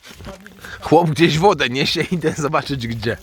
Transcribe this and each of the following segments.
Chłop gdzieś wodę niesie, idę zobaczyć gdzie.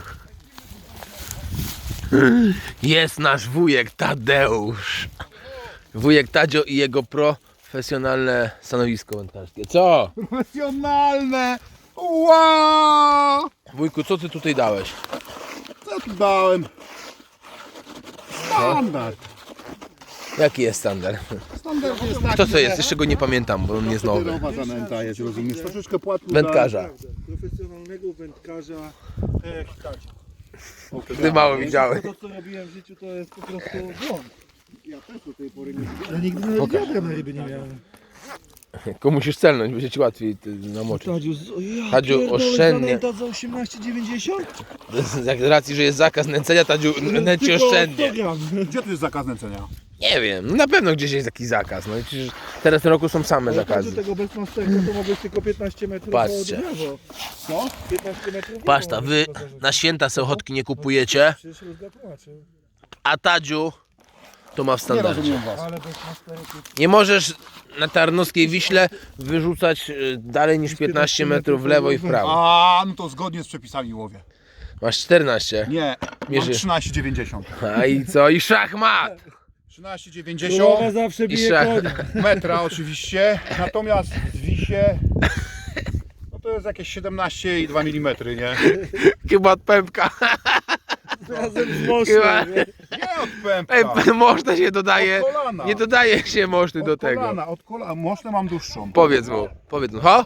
Jest nasz wujek Tadeusz. Wujek Tadzio i jego profesjonalne stanowisko wędkarskie. Co? Profesjonalne! Wow! Wujku, co ty tutaj dałeś? Co tu dałem? Standard. Jaki jest standard? Standard jest taki, To co jest? Jeszcze go nie pamiętam, bo on jest nowy. Papierowa zanęta jest, rozumiesz? Troszeczkę płatku Wędkarza. Profesjonalnego wędkarza, tak jak Tadzie. Ty mało widziałeś. To co robiłem w życiu to jest po prostu błąd. Ja też do tej pory nie Ja nigdy nawet wiadra na ryby nie miałem. Tylko musisz celnąć, będzie ci łatwiej namoczyć. Tadziu, Tadziu, oszczędnie. Zanęta za 18,90? Z racji, że jest zakaz nęcenia, Tadziu nęci Tylko oszczędnie. 100 gram. Gdzie tu jest zakaz nęcenia? Nie wiem, no na pewno gdzieś jest taki zakaz. No i przecież teraz w tym roku są same Ale Tadziu, zakazy. tego bez masterka to mogłeś tylko 15 metrów Patrzcie. od lewo. Co? 15 metrów Paszta, wy na święta se ochotki nie kupujecie, Przecież Rózga tłumaczył. a Tadziu to ma w Nie standardzie. rozumiem was. Ale bez masterki. Nie możesz na Tarnowskiej Wiśle wyrzucać dalej niż 15 metrów w lewo i w prawo. A, no to zgodnie z przepisami łowię. Masz 14. Nie, Mierzy. mam 13,90. A i co? I szachmat! 13,90 Królowa zawsze bije szach. konia. metra oczywiście, natomiast w wisie no to jest jakieś 17,2 mm, nie? Chyba od pępka. Razem z Chyba. moszem. nie? Nie od pępka. Można się dodaje. Od kolana. Nie dodaje się moszty do Od tego. kolana, od kolana. Można mam dłuższą. Powiedz mu. Ho?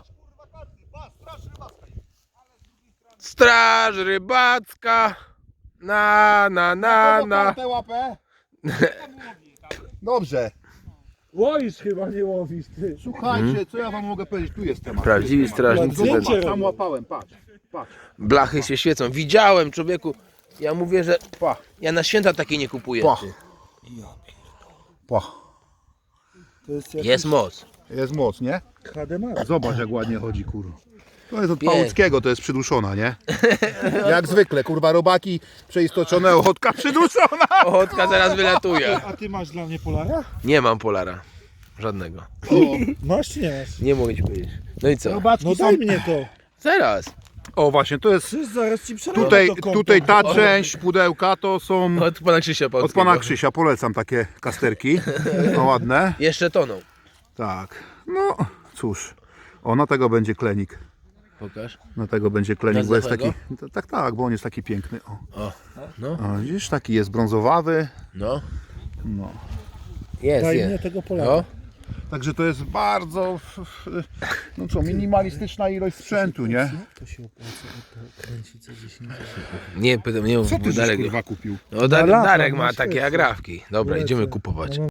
Straż rybacka. Na. Tę łapę. Dobrze. Łoisz chyba, nie łowisz ty. Słuchajcie, co ja wam mogę powiedzieć? Tu jest temat. Prawdziwi strażnicy. Zdjęcie wędrówki. Tam łapałem, patrz. Patrz. Blachy się świecą. Widziałem, człowieku. Ja mówię, że Pa. ja na święta takie nie kupuję. Pa. ty. Pa. To jest jak Jest moc. Jest moc, nie? HD Max. Zobacz jak ładnie chodzi, kurwa. To jest od Pięknie. Pałuckiego, to jest przyduszona, nie? Jak zwykle, kurwa, robaki przeistoczone, ochotka przyduszona. Ochotka zaraz wylatuje. A ty masz dla mnie Polara? Nie mam polara. Żadnego. Masz czy nie masz? Nie mogę ci powiedzieć. No i co? Robaczki No są... daj mnie to. Zaraz. O właśnie, to jest... Przecież zaraz ci przelewam Tutaj, to kompot. tutaj ta część pudełka to są Od pana Krzysia od Polskiego. pana Krzysia, polecam takie kasterki. No ładne. Jeszcze toną. Tak, no cóż. O, na tego będzie klenik. Pokaż. Na tego będzie klenik, Na bo jest zdrowego? taki... Tak, bo on jest taki piękny. O, O. No. o widzisz, taki jest brązowawy. No. No. Jest, Daj mnie jest. tego Polara. No. Także to jest bardzo, no co, minimalistyczna ilość sprzętu, nie? To się opłaca kręcić za 10 Nie, pytam, nie mów, Co ty żeś, Darek. kurwa kupił? No, Na lata, Darek na ma świecie. takie agrafki. Dobra, Lecę. idziemy kupować.